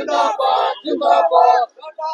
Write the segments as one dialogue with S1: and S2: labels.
S1: जिंदाबाद जिंदाबाद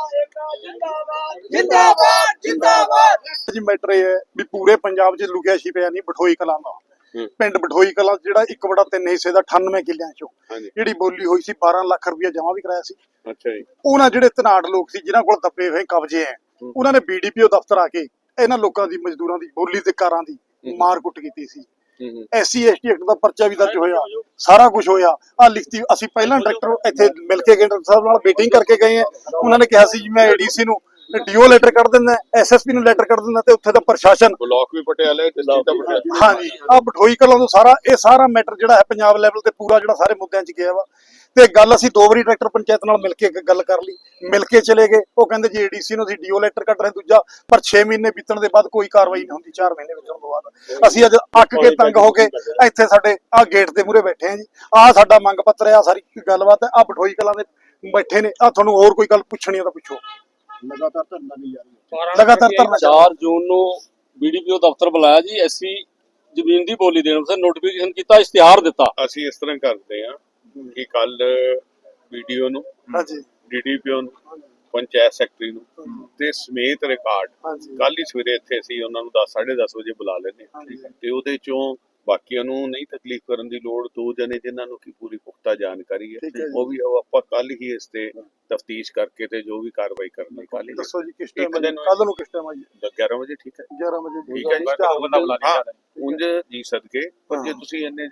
S1: जिंदाबाद जिंदाबाद
S2: जी मैटर ये है भी पूरे पंजाब च लुकिया छिपिया नहीं बठोई कलां दा पिंड बठोई कलां ਜਿਹੜਾ 1/3 ਹਿੱਸੇ ਦਾ 98 ਕਿੱਲਿਆਂ ਚੋਂ ਜਿਹੜੀ ਬੋਲੀ ਹੋਈ ਸੀ 12 ਲੱਖ ਰੁਪਇਆ ਜਮਾ ਵੀ ਕਰਾਇਆ ਸੀ।
S3: ਅੱਛਾ ਜੀ।
S2: ਉਹਨਾਂ ਜਿਹੜੇ ਧਨਾੜ ਲੋਕ ਸੀ ਜਿਨ੍ਹਾਂ ਕੋਲ ਦੱਬੇ ਹੋਏ ਕਬਜ਼ੇ ਐ ਉਹਨਾਂ ਨੇ ਬੀਡੀਪੀਓ ਦਫ਼ਤਰ ਆ ਕੇ ਇਹਨਾਂ ਲੋਕਾਂ ਦੀ ਮਜ਼ਦੂਰਾਂ ਦੀ ਬੋਲੀ ਤੇ ਕਾਰਾਂ ਦੀ ਮਾਰ ਕੁੱਟ ਕੀਤੀ ਸੀ। SC ST ਐਕਟ ਦਾ ਪਰਚਾ ਵੀ ਦਰਜ ਹੋਇਆ, ਸਾਰਾ ਕੁਝ ਹੋਇਆ। ਆ ਲਿਖਤੀ ਅਸੀਂ ਪਹਿਲਾਂ ਡਾਇਰੈਕਟਰ ਇੱਥੇ ਮਿਲ ਕੇ ਗਏ, ਡਾਕਟਰ ਸਾਹਿਬ ਨਾਲ ਮੀਟਿੰਗ ਕਰਕੇ ਗਏ ਆ। ਉਹਨਾਂ ਨੇ ਕਿਹਾ ਸੀ ਜੀ ਮੈਂ ADC ਨੂੰ ਡੀਓ ਲੈਟਰ ਕੱਢ ਦਿੰਦਾ, SSP ਨੂੰ ਲੈਟਰ ਕੱਢ ਦਿੰਦਾ ਤੇ ਉੱਥੇ ਦਾ ਪ੍ਰਸ਼ਾਸਨ
S3: ਬਲਾਕ ਵੀ ਪਟਿਆਲੇ ਤੇ ਸਟੇਟ ਪਟਿਆਲੇ।
S2: ਹਾਂਜੀ ਆ ਬਠੋਈ ਕਲਾਂ ਤੋਂ ਸਾਰਾ ਮੈਟਰ ਜਿਹੜਾ ਹੈ ਪੰਜਾਬ ਲੈਵਲ ਤੇ ਪੂਰਾ ਜਿਹੜਾ ਸਾਰੇ ਮੁੱਦਿਆਂ 'ਚ ਗਿਆ ਵਾ। ਤੇ ਗੱਲ ਅਸੀਂ 2 ਵਾਰੀ ਡਾਇਰੈਕਟਰ ਪੰਚਾਇਤ ਨਾਲ ਮਿਲ ਕੇ ਗੱਲ ਕਰ ਲਈ, ਮਿਲ ਕੇ ਚਲੇ ਗਏ। ਉਹ ਕਹਿੰਦੇ ਜੀ ADC ਨੂੰ ਅਸੀਂ ਡੀਓ ਲੈਟਰ ਕੱਢ ਰਹੇ ਦੂਜਾ, ਪਰ 6 ਮਹੀਨੇ ਬੀਤਣ ਦੇ ਬਾਅਦ ਕੋਈ ਕਾਰਵਾਈ ਨਹੀਂ ਹੁੰਦੀ। 4 ਮਹੀਨੇ ਬੀਤਣ ਤੋਂ ਬਾਅਦ ਅਸੀਂ ਅੱਜ ਅੱਕ ਕੇ ਤੰਗ ਹੋ ਕੇ ਇੱਥੇ ਸਾਡੇ ਆ ਗੇਟ ਦੇ ਮੂਹਰੇ ਬੈਠੇ ਆ ਜੀ। ਆ ਸਾਡਾ ਮੰਗ ਪੱਤਰ ਹੈ, ਆ ਸਾਰੀ ਗੱਲਬਾਤ ਹੈ। ਆ ਬਠੋਈ ਕਲਾਂ ਦੇ ਬੈਠੇ ਨੇ। ਆ ਤੁਹਾਨੂੰ ਹੋਰ ਕੋਈ ਗੱਲ ਪੁੱਛਣੀ ਆ ਤਾਂ ਪੁੱਛੋ।
S4: ਲਗਾਤਾਰ ਧਰਨਾ ਨਹੀਂ ਜਾਰੀ ਹੈ।
S2: ਲਗਾਤਾਰ ਧਰਨਾ
S1: 4 ਜੂਨ ਨੂੰ BDPO ਦਫ਼ਤਰ ਬੁਲਾਇਆ ਜੀ। SC ਜ਼ਮੀਨ ਦੀ ਬੋਲੀ ਦੇਣ ਵਾਸਤੇ ਨੋਟੀਫਿਕੇਸ਼ਨ ਕੀਤਾ, ਇਸ਼ਤਿਹਾਰ ਦਿੱਤਾ।
S3: ਅਸੀਂ ਇਸ ਤਰ੍ਹਾਂ ਕਰਦੇ ਹਾਂ ਕਿ ਕੱਲ ਵੀਡੀਓ ਨੂੰ,
S2: ਹਾਂਜੀ
S3: DDPO ਨੂੰ, ਪੰਚਾਇਤ ਸੈਕਟਰੀ ਨੂੰ ਤੇ ਸਮੇਤ ਰਿਕਾਰਡ ਕੱਲ ਹੀ ਸਵੇਰੇ ਇੱਥੇ ਅਸੀਂ ਉਹਨਾਂ ਨੂੰ 10:30 ਵਜੇ ਬੁਲਾ ਲੈਂਦੇ ਹਾਂ। ਤੇ ਉਹਦੇ ਚੋਂ ਬਾਕੀਆਂ ਨੂੰ ਨਹੀਂ ਤਕਲੀਫ ਕਰਨ ਦੀ ਲੋੜ, 2 ਜਣੇ ਜਿਨ੍ਹਾਂ ਨੂੰ ਕੀ ਪੂਰੀ ਪੁਖਤਾ ਜਾਣਕਾਰੀ ਹੈ ਉਹ ਵੀ ਆਪਾਂ ਕੱਲ ਹੀ ਇਸ ਤੇ ਤਫਤੀਸ਼ ਕਰਕੇ ਤੇ ਜੋ ਵੀ ਕਾਰਵਾਈ ਕਰਨੀ ਕੱਲ ਹੀ
S2: ਦੱਸੋ ਜੀ ਕਿਸ ਟਾਈਮ ਕੱਲ ਨੂੰ ਕਿਸ ਟਾਈਮ ਆਈਏ?
S3: 11 ਵਜੇ ਠੀਕ ਹੈ।
S2: 11 ਵਜੇ
S3: ਠੀਕ ਹੈ ਜੀ। ਉਂਝ ਜੀ ਸਦਕੇ ਪਰ ਜੇ ਤੁਸੀਂ ਇੰਨੇ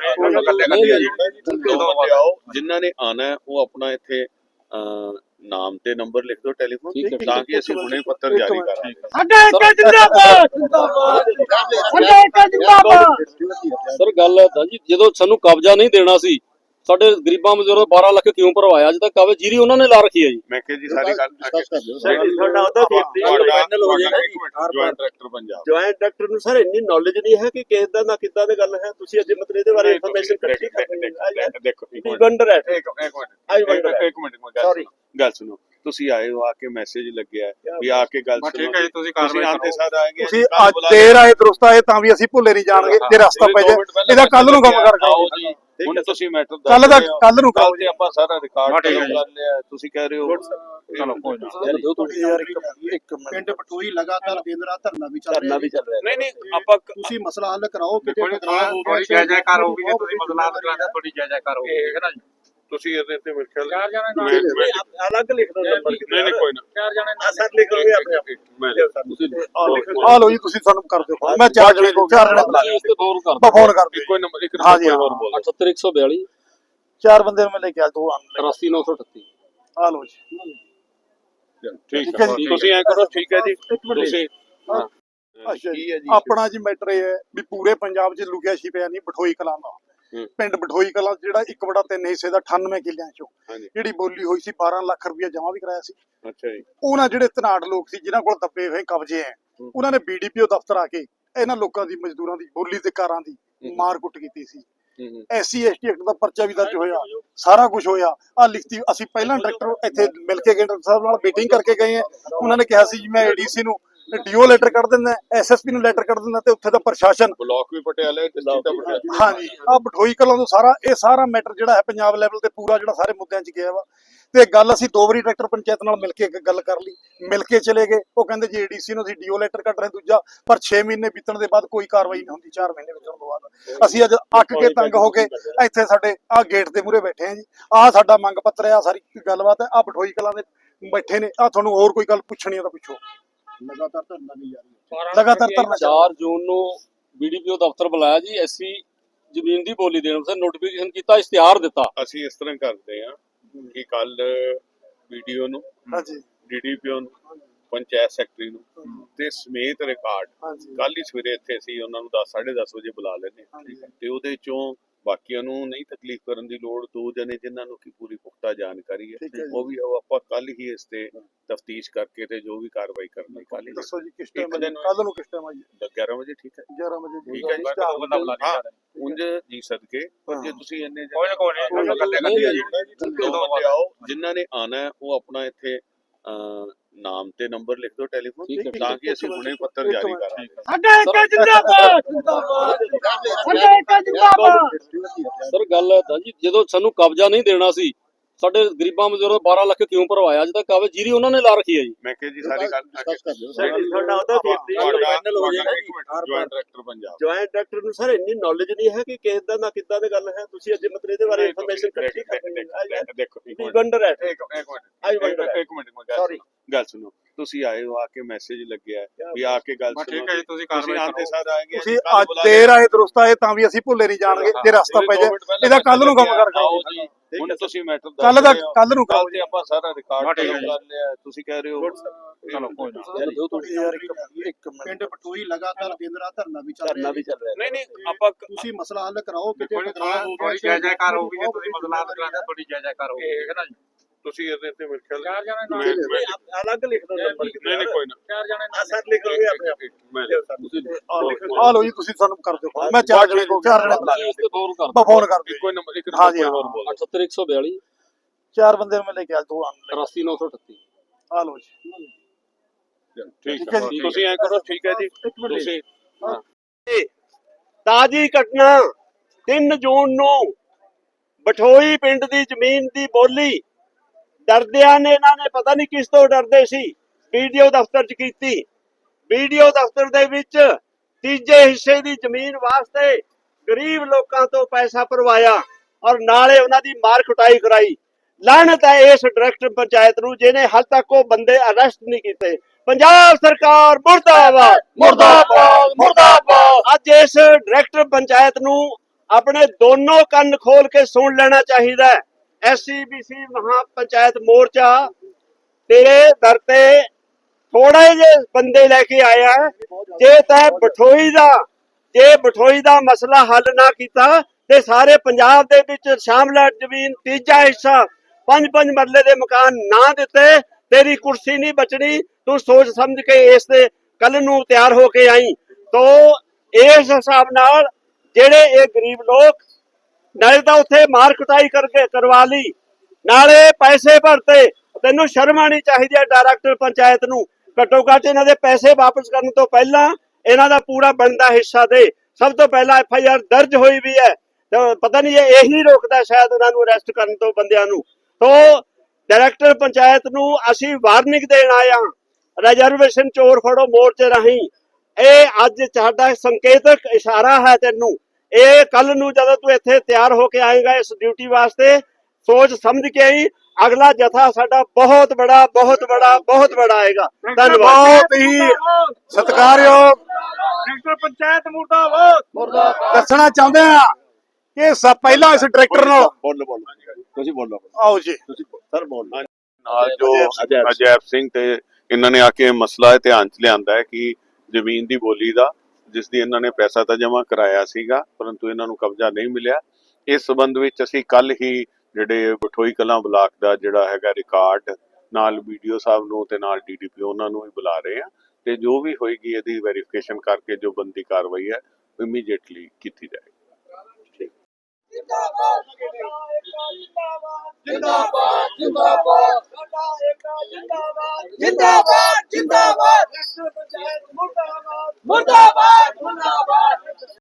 S3: ਆਓ ਜਿਨ੍ਹਾਂ ਨੇ ਆਣਾ ਉਹ ਆਪਣਾ ਇੱਥੇ ਨਾਮ ਤੇ ਨੰਬਰ ਲਿਖ ਦਿਓ ਟੈਲੀਫੋਨ, ਤਾਂ ਕਿ ਅਸੀਂ ਹੁਣੇ ਪੱਤਰ ਜਾਰੀ ਕਰਾਂਗੇ।
S1: ਸਰ ਗੱਲ ਹੈ ਜੀ, ਜਦੋਂ ਸਾਨੂੰ ਕਬਜ਼ਾ ਨਹੀਂ ਦੇਣਾ ਸੀ ਸਾਡੇ ਗਰੀਬਾਂ ਮਜ਼ਦੂਰਾਂ 12 ਲੱਖ ਕਿਉਂ ਭਰਵਾਇਆ? ਅੱਜ ਤੱਕ ਕਾਵੇ ਜੀਰੀ ਉਹਨਾਂ ਨੇ ਲਾ ਰੱਖੀ ਹੈ ਜੀ।
S3: ਮੈਂ ਕਿਹਾ ਜੀ ਸਾਰੀ ਗੱਲ
S4: ਤੁਹਾਡਾ ਉਹਦਾ ਫਾਈਨਲ ਹੋ ਜਾਏਗਾ ਜੀ।
S3: Joint director Punjab,
S4: joint director ਨੂੰ ਸਰ ਇੰਨੀ ਨੌਲੇਜ ਨਹੀਂ ਹੈ ਕਿ ਕਿਸ ਦਾ ਨਾ ਕਿੱਦਾਂ ਦੀ ਗੱਲ ਹੈ। ਤੁਸੀਂ ਅੱਜ ਮਤਲਬ ਇਹਦੇ ਬਾਰੇ ਇਨਫੋਰਮੇਸ਼ਨ ਇਕੱਠੀ
S3: ਦੇਖੋ
S4: ਵੰਡਰ ਹੈ।
S3: ਇੱਕ ਮਿੰਟ ਸੌਰੀ ਗੱਲ ਸੁਣੋ। ਤੁਸੀਂ ਆਏ ਹੋ, ਆ ਕੇ ਮੈਸੇਜ ਲੱਗਿਆ ਵੀ ਆ ਕੇ ਗੱਲ ਸੁਣੋ। ਠੀਕ ਹੈ ਜੀ, ਤੁਸੀਂ ਕਾਰਵਾਈ ਆਉਂਦੇ ਸਾਰ ਆਏਗੇ।
S2: ਤੁਸੀਂ ਅੱਜ ਦੇਰ ਆਏ ਦਰੁਸਤ ਆਏ ਤਾਂ ਵੀ ਅਸੀਂ ਭੁੱਲੇ ਨਹੀਂ ਜਾਣਗੇ ਜੇ ਰਸਤਾ ਪੈ ਜਾਏ। ਇਹਦਾ ਕੱਲ ਨੂੰ ਕੰਮ ਕਰ
S3: ਆਓ ਜੀ। ਹੁਣ ਤੁਸੀਂ ਮੈਟਰ
S2: ਕੱਲ ਨੂੰ
S3: ਕੱਲ ਤੇ ਆਪਾਂ ਸਾਰਾ ਰਿਕਾਰਡ ਕਰ ਲਿਆ। ਤੁਸੀਂ ਕਹਿ ਰਹੇ ਹੋ ਚਲੋ ਕੋਈ ਨਾ
S4: ਇੱਕ ਪਿੰਡ ਬਟੋਈ ਲਗਾਤਾਰ ਦਿਨ ਰਾਤ ਧਰਨਾ ਵੀ ਚੱਲ ਰਿਹਾ।
S3: ਨਹੀਂ ਆਪਾਂ
S4: ਤੁਸੀਂ ਮਸਲਾ ਹੱਲ ਕਰਾਓ।
S5: ਥੋੜੀ ਜਾਇਜ਼ਾਕਾਰ ਹੋਊਗੀ ਜੇ ਤੁਸੀਂ ਮਸਲਾ ਹੱਲ ਕਰਾਉਂਦੇ ਥੋੜੀ ਜਾਇਜ਼ਾਕਾਰ ਹੋਊਗੀ ਹੈ ਨਾ ਜੀ।
S3: ਤੁਸੀਂ ਇਹਦੇ ਤੇ ਮੇਰੇ ਖਿਆਲ
S4: ਅਲੱਗ ਲਿਖ ਦੋ ਨੰਬਰ।
S3: ਨਹੀਂ ਕੋਈ ਨਾ
S5: 4 ਜਣੇ
S4: ਅਸਲ ਲਿਖੋਗੇ ਆਪਣੇ
S2: ਆ ਲੋ ਜੀ ਤੁਸੀਂ ਸਾਨੂੰ ਕਰ ਦਿਓ। ਮੈਂ 4 ਜਣੇ ਬੁਲਾ
S1: ਇਸ ਤੇ ਫੋਨ ਕਰ
S2: ਮੈਂ ਫੋਨ ਕਰ ਦਿਓ।
S3: ਕੋਈ ਨੰਬਰ ਇੱਕ
S2: ਹਾਂਜੀ
S3: ਹੋਰ ਬੋਲ
S1: 78142
S2: 4 ਬੰਦੇ ਨੂੰ ਮੈਂ ਲੈ ਕੇ ਆ 2
S1: 83938।
S2: ਆ ਲੋ ਜੀ
S3: ਠੀਕ ਹੈ ਜੀ। ਤੁਸੀਂ ਐ ਕਰੋ ਠੀਕ ਹੈ ਜੀ। ਤੁਸੀਂ
S2: ਅੱਛਾ ਜੀ ਆਪਣਾ ਜੀ ਮੈਟਰ ਇਹ ਹੈ ਵੀ ਪੂਰੇ ਪੰਜਾਬ 'ਚ ਲੁਕਿਆ ਛਿਪਿਆ ਨਹੀਂ ਬਠੋਈ ਕਲਾਂ ਦਾ ਪਿੰਡ ਬਠੋਈ ਕਲਾਂ ਜਿਹੜਾ 1/3 ਹਿੱਸੇ ਦਾ 98 ਕਿੱਲਿਆਂ ਚੋਂ ਜਿਹੜੀ ਬੋਲੀ ਹੋਈ ਸੀ 12 ਲੱਖ ਰੁਪਇਆ ਜਮਾ ਵੀ ਕਰਾਇਆ ਸੀ।
S3: ਅੱਛਾ ਜੀ।
S2: ਉਹਨਾਂ ਜਿਹੜੇ ਧਨਾੜ ਲੋਕ ਸੀ ਜਿਨ੍ਹਾਂ ਕੋਲ ਦੱਬੇ ਹੋਏ ਕਬਜ਼ੇ ਐ ਉਹਨਾਂ ਨੇ BDPO ਦਫ਼ਤਰ ਆ ਕੇ ਇਹਨਾਂ ਲੋਕਾਂ ਦੀ ਮਜ਼ਦੂਰਾਂ ਦੀ ਬੋਲੀ ਤੇ ਕਾਰਾਂ ਦੀ ਮਾਰ ਕੁੱਟ ਕੀਤੀ ਸੀ। SC ST ਐਕਟ ਦਾ ਪਰਚਾ ਵੀ ਦਰਜ ਹੋਇਆ, ਸਾਰਾ ਕੁਝ ਹੋਇਆ। ਆ ਲਿਖਤੀ ਅਸੀਂ ਪਹਿਲਾਂ ਡਾਇਰੈਕਟਰ ਇੱਥੇ ਮਿਲ ਕੇ ਗਏ, ਡਾਕਟਰ ਸਾਹਿਬ ਨਾਲ ਮੀਟਿੰਗ ਕਰਕੇ ਗਏ ਆ। ਉਹਨਾਂ ਨੇ ਕਿਹਾ ਸੀ ਜੀ ਮੈਂ ADC ਨੂੰ ਡੀਓ ਲੈਟਰ ਕੱਢ ਦਿੰਦਾ, SSP ਨੂੰ ਲੈਟਰ ਕੱਢ ਦਿੰਦਾ ਤੇ ਉੱਥੇ ਦਾ ਪ੍ਰਸ਼ਾਸਨ
S3: ਬਲਾਕ ਵੀ ਪਟਿਆਲੇ ਤੇ ਸਟੇਟ ਪਟਿਆਲੇ।
S2: ਹਾਂਜੀ ਆ ਬਠੋਈ ਕਲਾਂ ਤੋਂ ਸਾਰਾ ਮੈਟਰ ਜਿਹੜਾ ਹੈ ਪੰਜਾਬ ਲੈਵਲ ਤੇ ਪੂਰਾ ਜਿਹੜਾ ਸਾਰੇ ਮੁੱਦਿਆਂ 'ਚ ਗਿਆ ਵਾ। ਤੇ ਗੱਲ ਅਸੀਂ 2 ਵਾਰੀ ਡਾਇਰੈਕਟਰ ਪੰਚਾਇਤ ਨਾਲ ਮਿਲ ਕੇ ਗੱਲ ਕਰ ਲਈ, ਮਿਲ ਕੇ ਚਲੇ ਗਏ। ਉਹ ਕਹਿੰਦੇ ਜੀ ADC ਨੂੰ ਅਸੀਂ ਡੀਓ ਲੈਟਰ ਕੱਢ ਰਹੇ ਦੂਜਾ, ਪਰ 6 ਮਹੀਨੇ ਬੀਤਣ ਦੇ ਬਾਅਦ ਕੋਈ ਕਾਰਵਾਈ ਨਹੀਂ ਹੁੰਦੀ। 4 ਮਹੀਨੇ ਬੀਤਣ ਤੋਂ ਬਾਅਦ ਅਸੀਂ ਅੱਜ ਅੱਕ ਕੇ ਤੰਗ ਹੋ ਕੇ ਇੱਥੇ ਸਾਡੇ ਆ ਗੇਟ ਦੇ ਮੂਹਰੇ ਬੈਠੇ ਆ ਜੀ। ਆ ਸਾਡਾ ਮੰਗ ਪੱਤਰ ਹੈ, ਆ ਸਾਰੀ ਗੱਲਬਾਤ ਹੈ। ਆ ਬਠੋਈ ਕਲਾਂ ਦੇ ਬੈਠੇ ਨੇ। ਆ ਤੁਹਾਨੂੰ ਹੋਰ ਕੋਈ ਗੱਲ ਪੁੱਛਣੀ ਆ ਤਾਂ ਪੁੱਛੋ।
S4: ਲਗਾਤਾਰ ਧਰਨਾ ਨਹੀਂ ਜਾਰੀ ਹੈ।
S2: ਲਗਾਤਾਰ ਧਰਨਾ
S1: 4 ਜੂਨ ਨੂੰ BDPO ਦਫ਼ਤਰ ਬੁਲਾਇਆ ਜੀ। SC ਜ਼ਮੀਨ ਦੀ ਬੋਲੀ ਦੇਣ ਵਾਸਤੇ ਨੋਟੀਫਿਕੇਸ਼ਨ ਕੀਤਾ, ਇਸ਼ਤਿਹਾਰ ਦਿੱਤਾ।
S3: ਅਸੀਂ ਇਸ ਤਰ੍ਹਾਂ ਕਰਦੇ ਹਾਂ ਕਿ ਕੱਲ ਵੀਡੀਓ ਨੂੰ,
S2: ਹਾਂਜੀ
S3: DDPO ਨੂੰ, ਪੰਚਾਇਤ ਸੈਕਟਰੀ ਨੂੰ ਤੇ ਸਮੇਤ ਰਿਕਾਰਡ ਕੱਲ ਹੀ ਸਵੇਰੇ ਇੱਥੇ ਅਸੀਂ ਉਹਨਾਂ ਨੂੰ 10:30 ਵਜੇ ਬੁਲਾ ਲੈਂਦੇ ਹਾਂ। ਤੇ ਉਹਦੇ ਚੋਂ ਬਾਕੀਆਂ ਨੂੰ ਨਹੀਂ ਤਕਲੀਫ ਕਰਨ ਦੀ ਲੋੜ, 2 ਜਣੇ ਜਿਨ੍ਹਾਂ ਨੂੰ ਕੀ ਪੂਰੀ ਪੁਖਤਾ ਜਾਣਕਾਰੀ ਹੈ ਉਹ ਵੀ ਆਪਾਂ ਕੱਲ ਹੀ ਇਸ ਤੇ ਤਫਤੀਸ਼ ਕਰਕੇ ਤੇ ਜੋ ਵੀ ਕਾਰਵਾਈ ਕਰਨੀ ਕੱਲ ਹੀ।
S2: ਦੱਸੋ ਜੀ ਕਿਸ ਟਾਈਮ ਕੱਲ ਨੂੰ ਕਿਸ ਟਾਈਮ ਆਈਏ?
S3: 11 ਵਜੇ ਠੀਕ ਹੈ।
S2: 11 ਵਜੇ
S3: ਠੀਕ ਹੈ ਜੀ। ਉਂਝ ਜੀ ਸਦਕੇ ਪਰ ਜੇ ਤੁਸੀਂ ਇੰਨੇ ਆਓ ਜਿਨ੍ਹਾਂ ਨੇ ਆਣਾ ਉਹ ਆਪਣਾ ਇੱਥੇ ਨਾਮ ਤੇ ਨੰਬਰ ਲਿਖ ਦਿਓ ਟੈਲੀਫੋਨ, ਤਾਂ ਕਿ ਅਸੀਂ ਹੁਣੇ ਪੱਤਰ ਜਾਰੀ ਕਰਾਂਗੇ।
S1: ਸਰ ਗੱਲ ਹੈ ਜੀ, ਜਦੋਂ ਸਾਨੂੰ ਕਬਜ਼ਾ ਨਹੀਂ ਦੇਣਾ ਸੀ ਸਾਡੇ ਗਰੀਬਾਂ ਮਜ਼ਦੂਰਾਂ ਦਾ 12 ਲੱਖ ਕਿਉਂ ਭਰਵਾਇਆ ਅੱਜ ਤੱਕ ਆਵੇ ਜੀਰੀ ਉਹਨਾਂ ਨੇ ਲਾ ਰੱਖੀ ਹੈ ਜੀ।
S3: ਮੈਂ ਕਿਹਾ ਜੀ ਸਾਰੀ ਗੱਲ
S4: ਤੁਹਾਡਾ ਉਹਦਾ ਫਾਈਨਲ ਹੋ ਜਾਏਗਾ ਜੀ।
S3: Joint director Punjab
S4: joint director ਨੂੰ ਸਰ ਇੰਨੀ ਨੌਲੇਜ ਨਹੀਂ ਹੈ ਕਿ ਕਿਸ ਦਾ ਨਾ ਕਿੱਦਾਂ ਦੀ ਗੱਲ ਹੈ। ਤੁਸੀਂ ਅੱਜ ਮਤਲਬ ਇਹਦੇ ਬਾਰੇ ਇਨਫੋਰਮੇਸ਼ਨ ਇਕੱਠੀ ਕਰਦੇ
S3: ਦੇਖੋ
S4: ਵੰਡਰ ਹੈ।
S3: ਇੱਕ ਮਿੰਟ
S4: Sorry.
S3: ਗੱਲ ਸੁਣੋ। ਤੁਸੀਂ ਆਏ ਹੋ, ਆ ਕੇ ਮੈਸੇਜ ਲੱਗਿਆ ਵੀ ਆ ਕੇ ਗੱਲ ਸੁਣੋ।
S5: ਠੀਕ ਹੈ ਜੀ, ਤੁਸੀਂ
S3: ਤੁਸੀਂ
S5: ਕਾਰਵਾਈ
S3: ਆਂਦੇ
S5: ਕਰੋ।
S3: ਸਾਰ ਆਏਗੇ
S2: ਤੁਸੀਂ ਅੱਜ ਦੇਰ ਆਏ ਦਰੁਸਤ ਆਏ ਤਾਂ ਵੀ ਅਸੀਂ ਭੁੱਲੇ ਨਹੀਂ ਜਾਣਗੇ ਜੇ ਰਸਤਾ ਪੈ ਜਾਏ ਇਹਦਾ ਕੱਲ ਨੂੰ ਕੰਮ ਕਰ
S3: ਆਓ ਜੀ। ਹੁਣ ਤੁਸੀਂ ਮੈਟਰ
S2: ਕੱਲ ਨੂੰ
S3: ਕੱਲ
S2: ਕਰੋ
S3: ਤੇ ਆਪਾਂ ਸਾਰਾ ਰਿਕਾਰਡ
S5: ਠੀਕ ਹੈ ਜੀ।
S3: ਕਰ ਲਿਆ। ਤੁਸੀਂ ਕਹਿ ਰਹੇ ਹੋ
S5: ਚਲੋ ਕੋਈ ਨਾ।
S2: ਯਾਰ ਇੱਕ ਮਿੰਟ
S6: ਪਿੰਡ ਪਟੋਈ ਲਗਾਤਾਰ ਦਿਨ ਰਾਤ ਧਰਨਾ ਵੀ ਚੱਲ
S4: ਧਰਨਾ
S6: ਰਿਹਾ
S4: ਵੀ ਚੱਲ ਰਿਹਾ।
S3: ਨਹੀਂ ਨਹੀਂ ਆਪਾਂ
S6: ਤੁਸੀਂ ਮਸਲਾ ਹੱਲ ਕਰਾਓ ਕਿਤੇ
S5: ਥੋੜੀ ਜੈ ਜੈਕਾਰ ਹੋਊਗੀ ਜੇ ਤੁਸੀਂ ਮਸਲਾ ਹੱਲ ਕਰਾਉਂਦੇ ਥੋੜੀ ਜੈ ਜੈਕਾਰ ਹੋਊਗੀ ਠੀਕ ਹੈ ਨਾ ਜੀ।
S3: ਤੁਸੀਂ ਇਹਦੇ ਤੇ ਮੇਰੇ ਖਿਆਲ
S5: ਚਾਰ ਜਣੇ ਨਾਲ
S4: ਅਲੱਗ ਲਿਖ ਦੋ ਨੰਬਰ
S3: ਨਹੀਂ ਕੋਈ ਨਾ
S5: ਚਾਰ ਜਣੇ ਨਾਲ
S4: ਸਰ ਲਿਖ ਲਓਗੇ ਆਪਣੇ
S3: ਮੈਂ
S2: ਆ ਲਓ ਜੀ ਤੁਸੀਂ ਸਾਨੂੰ ਕਰ ਦਿਓ ਮੈਂ ਚਾਰ ਜਣੇ ਬੁਲਾ
S1: ਤੁਸੀਂ ਇਸ ਤੇ ਫੋਨ ਕਰ
S2: ਮੈਂ ਫੋਨ ਕਰ ਦਿਓ
S3: ਕੋਈ ਨੰਬਰ ਇੱਕ
S2: ਹਾਂ ਜੀ,
S3: ਨੰਬਰ ਹੋਰ ਬੋਲ
S1: 78142
S2: ਚਾਰ ਬੰਦੇ ਨੂੰ ਮੈਂ ਲੈ ਕੇ ਆ ਦੋ ਆਣ
S1: 83938
S2: ਆ ਲਓ ਜੀ
S3: ਠੀਕ ਹੈ ਤੁਸੀਂ ਐ ਕਰੋ ਠੀਕ ਹੈ ਜੀ ਤੁਸੀਂ
S4: ਤਾਜੀ ਘਟਨਾ 3 ਜੂਨ ਨੂੰ ਬਠੋਈ ਪਿੰਡ ਦੀ ਜ਼ਮੀਨ ਦੀ ਬੋਲੀ ਡਰਦਿਆਂ ਨੇ ਇਹਨਾਂ ਨੇ ਪਤਾ ਨਹੀਂ ਕਿਸ ਤੋਂ ਡਰਦੇ ਸੀ ਵੀਡੀਓ ਦਫ਼ਤਰ 'ਚ ਕੀਤੀ। ਵੀਡੀਓ ਦਫ਼ਤਰ ਦੇ ਵਿੱਚ ਤੀਜੇ ਹਿੱਸੇ ਦੀ ਜ਼ਮੀਨ ਵਾਸਤੇ ਗਰੀਬ ਲੋਕਾਂ ਤੋਂ ਪੈਸਾ ਭਰਵਾਇਆ ਔਰ ਨਾਲੇ ਉਹਨਾਂ ਦੀ ਮਾਰ ਕੁਟਾਈ ਕਰਾਈ। ਲਾਹਨਤ ਹੈ ਇਸ ਡਾਇਰੈਕਟਰ ਪੰਚਾਇਤ ਨੂੰ ਜਿਹਨੇ ਹਾਲ ਤੱਕ ਉਹ ਬੰਦੇ ਅਰੈਸਟ ਨਹੀਂ ਕੀਤੇ। ਪੰਜਾਬ ਸਰਕਾਰ ਮੁਰਦਾਬਾਦ ਮੁਰਦਾਬਾਦ ਮੁਰਦਾਬਾਦ। ਅੱਜ ਇਸ ਡਾਇਰੈਕਟਰ ਪੰਚਾਇਤ ਨੂੰ ਆਪਣੇ ਦੋਨੋਂ ਕੰਨ ਖੋਲ ਕੇ ਸੁਣ ਲੈਣਾ ਚਾਹੀਦਾ ਹੈ। SCBC ਮਹਾ ਪੰਚਾਇਤ ਮੋਰਚਾ ਤੇਰੇ ਦਰ ਤੇ ਥੋੜੇ ਜਿਹੇ ਬੰਦੇ ਲੈ ਕੇ ਆਇਆ ਹੈ। ਜੇ ਤੈ ਬਠੋਈ ਦਾ ਮਸਲਾ ਹੱਲ ਨਾ ਕੀਤਾ ਤੇ ਸਾਰੇ ਪੰਜਾਬ ਦੇ ਵਿੱਚ ਸ਼ਾਮਲਾ ਜ਼ਮੀਨ ਤੀਜਾ ਹਿੱਸਾ 5-5 ਮਰਲੇ ਦੇ ਮਕਾਨ ਨਾ ਦਿੱਤੇ ਤੇਰੀ ਕੁਰਸੀ ਨਹੀਂ ਬਚਣੀ। ਤੂੰ ਸੋਚ ਸਮਝ ਕੇ ਇਸ ਤੇ ਕੱਲ ਨੂੰ ਤਿਆਰ ਹੋ ਕੇ ਆਈ। ਤੋ ਇਸ ਹਿਸਾਬ ਨਾਲ ਜਿਹੜੇ ਇਹ ਗਰੀਬ ਲੋਕ ਨਾਲੇ ਤਾਂ ਉੱਥੇ ਮਾਰ ਕੁਟਾਈ ਕਰਕੇ ਕਰਵਾ ਲਈ ਨਾਲੇ ਪੈਸੇ ਭਰਤੇ। ਤੈਨੂੰ ਸ਼ਰਮ ਆਣੀ ਚਾਹੀਦੀ ਹੈ ਡਾਇਰੈਕਟਰ ਪੰਚਾਇਤ ਨੂੰ। ਘੱਟੋ ਘੱਟ ਇਹਨਾਂ ਦੇ ਪੈਸੇ ਵਾਪਸ ਕਰਨ ਤੋਂ ਪਹਿਲਾਂ ਇਹਨਾਂ ਦਾ ਪੂਰਾ ਬਣਦਾ ਹਿੱਸਾ ਦੇ। ਸਭ ਤੋਂ ਪਹਿਲਾਂ FIR ਦਰਜ ਹੋਈ ਵੀ ਹੈ ਤੇ ਪਤਾ ਨਹੀਂ ਇਹੀ ਰੋਕਦਾ ਸ਼ਾਇਦ ਉਹਨਾਂ ਨੂੰ ਅਰੈਸਟ ਕਰਨ ਤੋਂ ਬੰਦਿਆਂ ਨੂੰ। ਤੋ ਡਾਇਰੈਕਟਰ ਪੰਚਾਇਤ ਨੂੰ ਅਸੀਂ ਵਾਰਨਿੰਗ ਦੇਣ ਆਇਆ ਰਿਜ਼ਰਵੇਸ਼ਨ ਚੋਰ ਫੜੋ ਮੋਰਚੇ ਰਾਹੀਂ। ਇਹ ਅੱਜ ਸਾਡਾ ਸੰਕੇਤਕ ਇਸ਼ਾਰਾ ਹੈ ਤੈਨੂੰ। ਇਹ ਕੱਲ ਨੂੰ ਜਦੋਂ ਤੂੰ ਇੱਥੇ ਤਿਆਰ ਹੋ ਕੇ ਆਏਗਾ ਇਸ ਡਿਊਟੀ ਵਾਸਤੇ ਸੋਚ ਸਮਝ ਕੇ ਆਈ। ਅਗਲਾ ਜਥਾ ਸਾਡਾ ਬਹੁਤ ਬੜਾ ਆਏਗਾ। ਧੰਨਵਾਦ।
S2: ਬਹੁਤ ਹੀ ਸਤਿਕਾਰਯੋਗ
S5: ਡਾਇਰੈਕਟਰ ਪੰਚਾਇਤ ਮੁਰਦਾਬਾਦ।
S2: ਦੱਸਣਾ ਚਾਹੁੰਦੇ ਆ ਕਿ ਪਹਿਲਾਂ ਇਸ ਡਾਇਰੈਕਟਰ ਨਾਲ
S3: ਬੋਲੋ ਤੁਸੀਂ ਬੋਲੋ
S2: ਆਓ ਜੀ
S4: ਸਰ ਬੋਲ
S3: ਨਾਲ ਜੋ ਅਜੈਬ ਸਿੰਘ ਤੇ ਇਹਨਾਂ ਨੇ ਆ ਕੇ ਮਸਲਾ ਧਿਆਨ ਚ ਲਿਆਂਦਾ ਹੈ ਕਿ ਜ਼ਮੀਨ ਦੀ ਬੋਲੀ ਦਾ ਜਿਸ ਦੀ ਇਹਨਾਂ ਨੇ ਪੈਸਾ ਤਾਂ ਜਮ੍ਹਾਂ ਕਰਾਇਆ ਸੀਗਾ ਪਰੰਤੂ ਇਹਨਾਂ ਨੂੰ ਕਬਜ਼ਾ ਨਹੀਂ ਮਿਲਿਆ। ਇਸ ਸੰਬੰਧ ਵਿੱਚ ਅਸੀਂ ਕੱਲ ਹੀ ਜਿਹੜੇ ਬਠੋਈ ਕਲਾਂ ਬਲਾਕ ਦਾ ਜਿਹੜਾ ਹੈਗਾ ਰਿਕਾਰਡ ਨਾਲ BDO ਸਾਹਿਬ ਨੂੰ ਤੇ ਨਾਲ DDPO ਉਹਨਾਂ ਨੂੰ ਵੀ ਬੁਲਾ ਰਹੇ ਆ ਤੇ ਜੋ ਵੀ ਹੋਏਗੀ ਇਹਦੀ ਵੈਰੀਫਿਕੇਸ਼ਨ ਕਰਕੇ ਜੋ ਬੰਦੀ ਕਾਰਵਾਈ ਹੈ ਇਮੀਡੀਏਟਲੀ ਕੀਤੀ ਜਾਏਗੀ।
S7: ਜਿੰਦਾਬਾਦ ਜਿੰਦਾਬਾਦ ਜਿੰਦਾਬਾਦ ਜਿੰਦਾਬਾਦ